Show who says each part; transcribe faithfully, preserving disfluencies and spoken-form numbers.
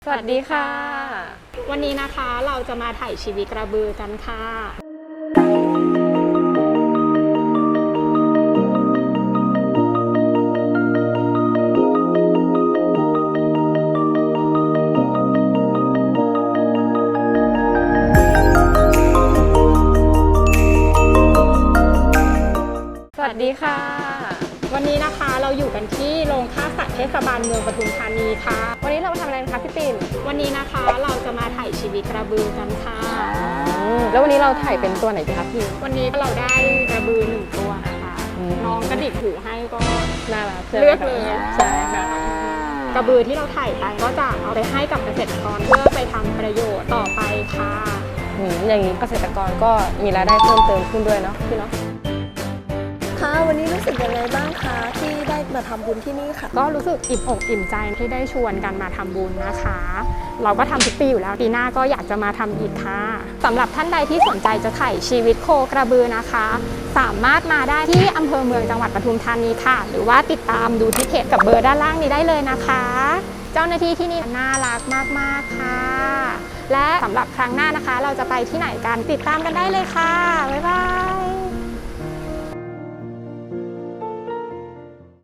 Speaker 1: สวัสดีค่ะ
Speaker 2: วันนี้นะคะเราจะมาถ่ายชีวิตกระบือกันค่ะ
Speaker 1: สวัสดีค่ะ
Speaker 2: วันนี้นะคะเราอยู่กันที่โรงฆ่าสัตว์เทศบาลเมืองปทุมธานีค่ะ
Speaker 1: วันนี้เรามาทำอะไรคะพี่ปิ่น
Speaker 2: วันนี้นะคะเราจะมาถ่ายชีวิตกระบือกันค่ะ
Speaker 1: แล้ววันนี้เราถ่ายเป็นตัวไหนดีคะพี่
Speaker 2: วันนี้เราได้กระบือหนึ่งตัวนะคะน้องกระดิกหูให้ก็
Speaker 1: น่ารัก
Speaker 2: เลือกเลย
Speaker 1: ใช่ค่ะ
Speaker 2: กระบือที่เราถ่ายไปก็จะเอาไปให้กับเกษตรกรเพื่อไปทำประโยชน์ต่อไปค่ะ
Speaker 1: อย่างนี้เกษตรกรก็มีรายได้เพิ่มเติมขึ้นด้วยเนาะพี่เนาะ
Speaker 3: ค่ะวันนี้รู้สึกยังไงบ้างคะที่ได้มาทำบุญที่นี่ค่ะ
Speaker 2: ก็รู้สึกอิ่มอกอิ่มใจที่ได้ชวนกันมาทำบุญนะคะ เราก็ทำทุกปีอยู่แล้วปีหน้าก็อยากจะมาทำอีกค่ะสำหรับท่านใดที่สนใจจะถ่ายชีวิตโคกระบือนะคะ สามารถมาได้ที่อำเภอเมืองจังหวัดปทุมธานีค่ะหรือว่าติดตามดูที่เพจกับเบอร์ด้านล่างนี้ได้เลยนะคะ เจ้าหน้าที่ที่นี่น่ารักมากๆค่ะและสำหรับครั้งหน้านะคะเราจะไปที่ไหนกันติดตามกันได้เลยค่ะบ๊ายบาย